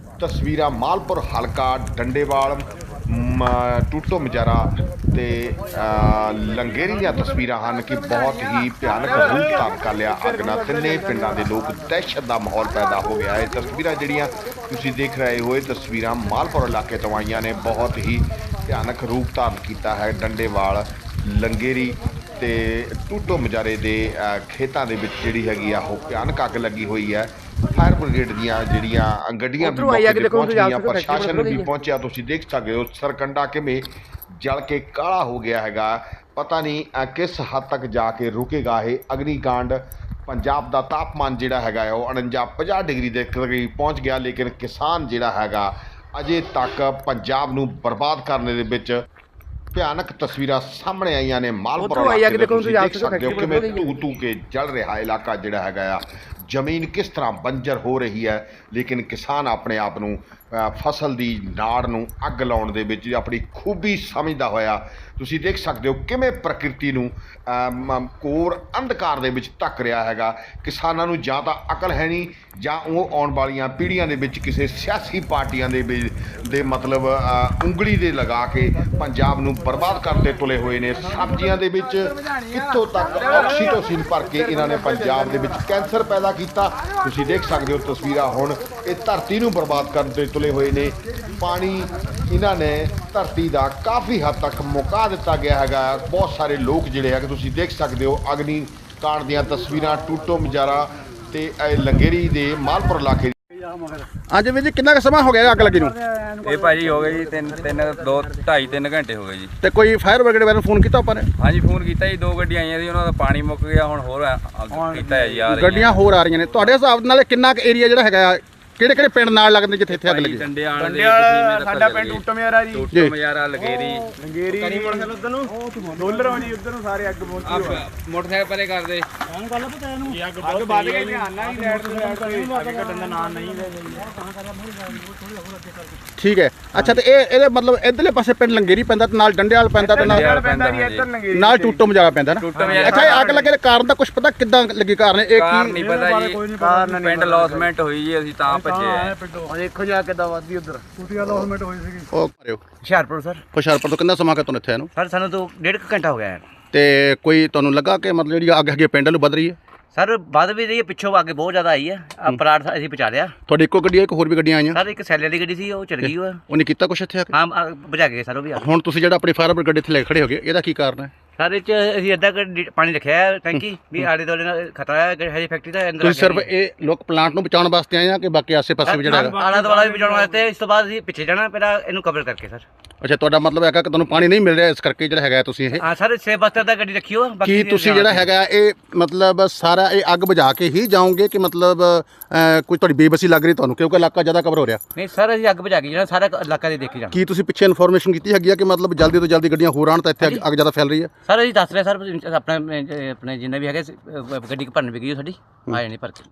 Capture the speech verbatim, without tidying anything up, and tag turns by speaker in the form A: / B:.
A: ਤਸਵੀਰਾਂ ਮਾਲਪੁਰ ਹਲਕਾ ਡੰਡੇਵਾਲ ਟੂਟੋ ਮਜਾਰਾ ਤੇ ਲੰਗੇਰੀ ਦੀਆਂ ਤਸਵੀਰਾਂ ਹਨ ਕਿ ਬਹੁਤ ਹੀ ਭਿਆਨਕ ਰੂਪ ਧਾਰਨ ਕਰ ਲਿਆ ਅੱਗ ਨਾਲ। ਤਿੰਨੇ ਪਿੰਡਾਂ ਦੇ ਲੋਕ ਦਹਿਸ਼ਤ ਦਾ ਮਾਹੌਲ ਪੈਦਾ ਹੋ ਗਿਆ ਹੈ। ਤਸਵੀਰਾਂ ਜਿਹੜੀਆਂ ਤੁਸੀਂ ਦੇਖ ਰਹੇ ਹੋ ਇਹ ਤਸਵੀਰਾਂ ਮਾਲਪੁਰ ਇਲਾਕੇ ਤੋਂ ਆਈਆਂ ਨੇ। ਬਹੁਤ ਹੀ ਭਿਆਨਕ ਰੂਪ ਧਾਰਨ ਕੀਤਾ ਹੈ ਡੰਡੇਵਾਲ ਲੰਗੇਰੀ ਤੇ ਟੂਟੋ ਮਜਾਰੇ ਦੇ ਖੇਤਾਂ ਦੇ ਵਿੱਚ ਜਿਹੜੀ ਹੈਗੀ ਆ ਉਹ ਭਿਆਨਕ ਅੱਗ ਲੱਗੀ ਹੋਈ ਹੈ। फायर ब्रिगेड दियाँ जड़ियाँ गड्डियाँ भी पहुँच गई, प्रशासन भी पहुँचा। तुसीं देख सकते हो सरकंडा किवें जल के काला हो गया हैगा। पता नहीं किस हद तक जाके रुकेगा ये अग्निकांड। पंजाब का तापमान जिहड़ा हैगा वो उनंजा पचास डिग्री के करीब पहुँच गया, लेकिन किसान जिहड़ा हैगा अजे तक पंजाब नूं बर्बाद करने दे विच भयानक तस्वीरां सामने आईयां ने। मालपुर इलाके तुसीं देख सकते हो किवें धू धू के जल रहा इलाका जिहड़ा हैगा आ। जमीन किस तरह बंजर हो रही है, लेकिन किसान अपने आप नूं फसल की नाड़ नूं अग लाउण दे विच अपनी खूबी समझदा होया तुसीं देख सकते हो किवें प्रकृति नूं कोर अंधकार दे विच ढक रहा हैगा। किसानां नूं जां तां अकल है नहीं, जां ओह आउण वालीआं पीढ़ियां दे विच किसी सियासी पार्टियां दे दे मतलब उंगली दे लगा के पंजाब नूं बर्बाद करते तुले हुए ने। सब्जियां दे विच कित्थों तक ऑक्सीटोसिन भर के इन्हां ने पंजाब दे विच कैंसर पैदा कीता। तुसीं देख सकते हो तस्वीरां हुण इह धरती नूं बर्बाद करते तुले हुए ने। पानी इन्हां ने धरती का काफ़ी हद तक मुका दिता गया हैगा। बहुत सारे लोग जिहड़े है तुसीं देख सकते हो अग्निकांड दीयां तस्वीरां टूटो मजारा ते लंगेरी दे मालपुर इलाके।
B: ਅੱਜ ਵੀਰ ਜੀ ਕਿੰਨਾ ਕੁ ਸਮਾਂ ਹੋ ਗਿਆ ਅੱਗ ਲੱਗੀ ਨੂੰ?
C: ਇਹ ਭਾਜੀ ਹੋ ਗਏ ਜੀ ਤਿੰਨ ਤਿੰਨ ਦੋ ਢਾਈ ਤਿੰਨ ਘੰਟੇ ਹੋ ਗਏ ਜੀ।
B: ਤੇ ਕੋਈ ਫਾਇਰ ਬ੍ਰਿਗੇਡ ਵਾਲਿਆਂ ਨੂੰ ਫੋਨ ਕੀਤਾ ਆਪਾਂ ਨੇ?
C: ਹਾਂਜੀ ਫੋਨ ਕੀਤਾ ਜੀ, ਦੋ ਗੱਡੀਆਂ ਆਈਆਂ ਸੀ, ਉਹਨਾਂ ਦਾ ਪਾਣੀ ਮੁੱਕ ਗਿਆ, ਹੁਣ ਹੋਰ ਕੀਤਾ ਹੈ ਜੀ। ਆ ਰਹੀਆਂ
B: ਗੱਡੀਆਂ ਹੋਰ ਆ ਰਹੀਆਂ ਨੇ। ਤੁਹਾਡੇ ਹਿਸਾਬ ਨਾਲ ਕਿੰਨਾ ਕੁ ਏਰੀਆ ਜਿਹੜਾ ਹੈਗਾ ਕਿਹੜੇ ਕਿਹੜੇ ਪਿੰਡ ਨਾਲ ਲੱਗਦੇ ਜਿੱਥੇ ਇੱਥੇ ਅੱਗ ਲੱਗੀ?
C: ਡੰਡੇਵਾਲ
D: ਸਾਡਾ ਪਿੰਡ ਟੂਟੋ ਮਜਾਰਾ ਜੀ,
C: ਟੂਟੋ ਮਜਾਰਾ ਲੰਗੇਰੀ
D: ਲੰਗੇਰੀ ਮੋਟਰਸਾਈਕਲ ਉਧਰ ਨੂੰ ਡੋਲਰ ਜੀ, ਉਧਰ ਨੂੰ ਸਾਰੇ ਅੱਗ ਪਹੁੰਚੀ ਹੋਈ।
C: ਮੋਟਰਸਾਈਕਲ ਪਰੇ ਕਰਦੇ
D: ਇਹਨੂੰ ਗੱਲ ਪਤਾ ਇਹਨੂੰ ਅੱਗ ਵੱਧ ਗਈ, ਧਿਆਨ ਨਾਲ ਹੀ ਲੈਟ ਤੇ ਅੱਗ ਘਟਣ ਦਾ ਨਾਂ ਨਹੀਂ ਲੈ
B: ਠੀਕ ਹੈ। ਅੱਛਾ ਤੇ ਇਹ ਇਹਦੇ ਮਤਲਬ ਇਧਰਲੇ ਪਾਸੇ ਪਿੰਡ ਲੰਗੇਰੀ ਪੈਂਦਾ ਤੇ ਨਾਲ ਡੰਡੇਵਾਲ ਪੈਂਦਾ ਤੇ ਨਾਲ
D: ਪੈਂਦਾ ਜੀ, ਇੱਧਰ ਲੰਗੇਰੀ
B: ਨਾਲ ਟੂਟੋ ਮਜਾਰਾ ਪੈਂਦਾ ਨਾ। ਅੱਛਾ ਇਹ ਅੱਗ ਲੱਗੇ ਦੇ ਕਾਰਨ ਦਾ ਕੁਝ ਪਤਾ ਕਿੱਦਾਂ ਲੱਗੀ? ਕਾਰਨ ਇਹ
C: ਕਾਰਨ ਨਹੀਂ ਪਤਾ ਜੀ, ਪਿੰਡ ਲੌਸਮੈਂਟ ਹੋਈ ਜੀ, ਅਸੀਂ ਤਾਂ ਭੱਜੇ ਆ।
D: ਦੇਖੋ ਜਾ ਕਿੱਦਾਂ ਵੱਧਦੀ ਉਧਰ ਟੂਟੀਆਂ ਲੌਸਮੈਂਟ ਹੋਈ ਸੀਗੀ।
B: ਉਹ ਕਰਿਓ
E: ਹੁਸ਼ਿਆਰਪੁਰ ਸਰ।
B: ਹੁਸ਼ਿਆਰਪੁਰ ਤੋਂ ਕਿੰਨਾ ਸਮਾਂ ਕਿ ਤੁਹਾਨੂੰ ਇੱਥੇ ਨੂੰ?
E: ਸਰ ਸਾਨੂੰ ਤੋਂ ਡੇਢ ਕੁ ਘੰਟਾ ਹੋ ਗਿਆ ਹੈ।
B: ਤੇ ਕੋਈ ਤੁਹਾਨੂੰ ਲੱਗਾ ਕਿ ਮਤਲਬ ਜਿਹੜੀ ਅੱਗ ਹੈਗੀ ਪਿੰਡ ਨੂੰ ਵੱਧ ਰਹੀ ਹੈ?
E: ਸਰ ਵੱਧ ਵੀ ਰਹੀ ਹੈ, ਪਿੱਛੋਂ ਅੱਗੇ ਬਹੁਤ ਜ਼ਿਆਦਾ ਆਈ ਹੈ। ਆ ਪਲਾਟ ਅਸੀਂ ਪਹੁੰਚਾ ਲਿਆ।
B: ਤੁਹਾਡੀ ਇੱਕੋ ਗੱਡੀ ਹੈ ਕਿ ਹੋਰ ਵੀ ਗੱਡੀਆਂ ਆਈਆਂ?
E: ਸਰ ਇੱਕ ਸੈਲਰ ਦੀ ਗੱਡੀ ਸੀ, ਉਹ ਚਲ ਗਈ। ਉਹ
B: ਉਹਨੇ ਕੀਤਾ ਕੁਛ ਇੱਥੇ ਆ ਕੇ?
E: ਹਾਂ ਬੁਝਾ ਗਏ ਸਰ ਉਹ ਵੀ।
B: ਹੁਣ ਤੁਸੀਂ ਜਿਹੜਾ ਆਪਣੀ ਫਾਇਰ ਬ੍ਰਿਗੇਡ ਇੱਥੇ ਲੈ ਖੜੇ ਹੋ ਗਏ, ਇਹਦਾ ਕੀ ਕਾਰਨ ਹੈ?
E: ਸਰ ਇਹ 'ਚ ਅਸੀਂ ਅੱਧਾ ਕੁ ਪਾਣੀ ਰੱਖਿਆ ਹੈ ਟੈਂਕੀ ਵੀ ਆਲੇ ਦੁਆਲੇ ਨਾਲ ਖਤਰਾ ਹੈ ਹਜੇ ਫੈਕਟਰੀ ਦਾ ਅੰਦਰ।
B: ਤੁਸੀਂ ਸਿਰਫ ਇਹ ਲੋਕ ਪਲਾਂਟ ਨੂੰ ਬਚਾਉਣ ਵਾਸਤੇ ਆਏ ਆ ਕਿ ਬਾਕੀ ਆਸੇ ਪਾਸੇ ਵੀ ਜਿਹੜਾ ਹੈਗਾ?
E: ਆਲਾ ਦੁਆਲਾ ਵੀ ਬਚਾਉਣ ਵਾਸਤੇ। ਇਸ ਤੋਂ ਬਾਅਦ ਅਸੀਂ ਪਿੱਛੇ ਜਾਣਾ ਪਹਿਲਾਂ ਇਹਨੂੰ ਕਵਰ ਕਰਕੇ ਸਰ।
B: ਅੱਛਾ ਤੁਹਾਡਾ ਮਤਲਬ ਹੈਗਾ ਕਿ ਤੁਹਾਨੂੰ ਪਾਣੀ ਨਹੀਂ ਮਿਲ ਰਿਹਾ ਇਸ ਕਰਕੇ ਜਿਹੜਾ ਹੈਗਾ ਤੁਸੀਂ ਇਹ?
E: ਹਾਂ ਸਰ ਛੇ ਬਸਤਰ ਦਾ ਗੱਡੀ ਰੱਖੀ ਹੋ।
B: ਕੀ ਤੁਸੀਂ ਜਿਹੜਾ ਹੈਗਾ ਇਹ ਮਤਲਬ ਸਾਰਾ ਇਹ ਅੱਗ ਬੁਝਾ ਕੇ ਹੀ ਜਾਓਗੇ ਕਿ ਮਤਲਬ ਕੋਈ ਤੁਹਾਡੀ ਬੇਬਸੀ ਲੱਗ ਰਹੀ ਤੁਹਾਨੂੰ ਕਿਉਂਕਿ ਇਲਾਕਾ ਜ਼ਿਆਦਾ ਕਵਰ ਹੋ ਰਿਹਾ?
E: ਨਹੀਂ ਸਰ ਅਸੀਂ ਅੱਗ ਬੁਝਾ ਕੇ ਜਿਹੜਾ ਸਾਰਾ ਇਲਾਕਾ ਦੇ ਦੇਖੀ ਜਾਣਾ।
B: ਕੀ ਤੁਸੀਂ ਪਿੱਛੇ ਇਨਫੋਰਮੇਸ਼ਨ ਕੀਤੀ ਹੈਗੀ ਆ ਕਿ ਮਤਲਬ ਜਲਦੀ ਤੋਂ ਜਲਦੀ ਗੱਡੀਆਂ ਹੋਰ ਆਉਣ ਤਾਂ ਇੱਥੇ ਅੱਗ ਜ਼ਿਆਦਾ ਫੈਲ ਰਹੀ ਹੈ?
E: ਸਰ ਅਸੀਂ ਦੱਸ ਰਹੇ ਸਰ ਆਪਣਾ ਆਪਣੇ ਜਿੰਨੇ ਵੀ ਹੈਗੇ ਗੱਡੀ ਭਰਨ ਵੀ ਗਈ ਸਾਡੀ ਆ ਜਾਣੀ ਭਰ ਕੇ।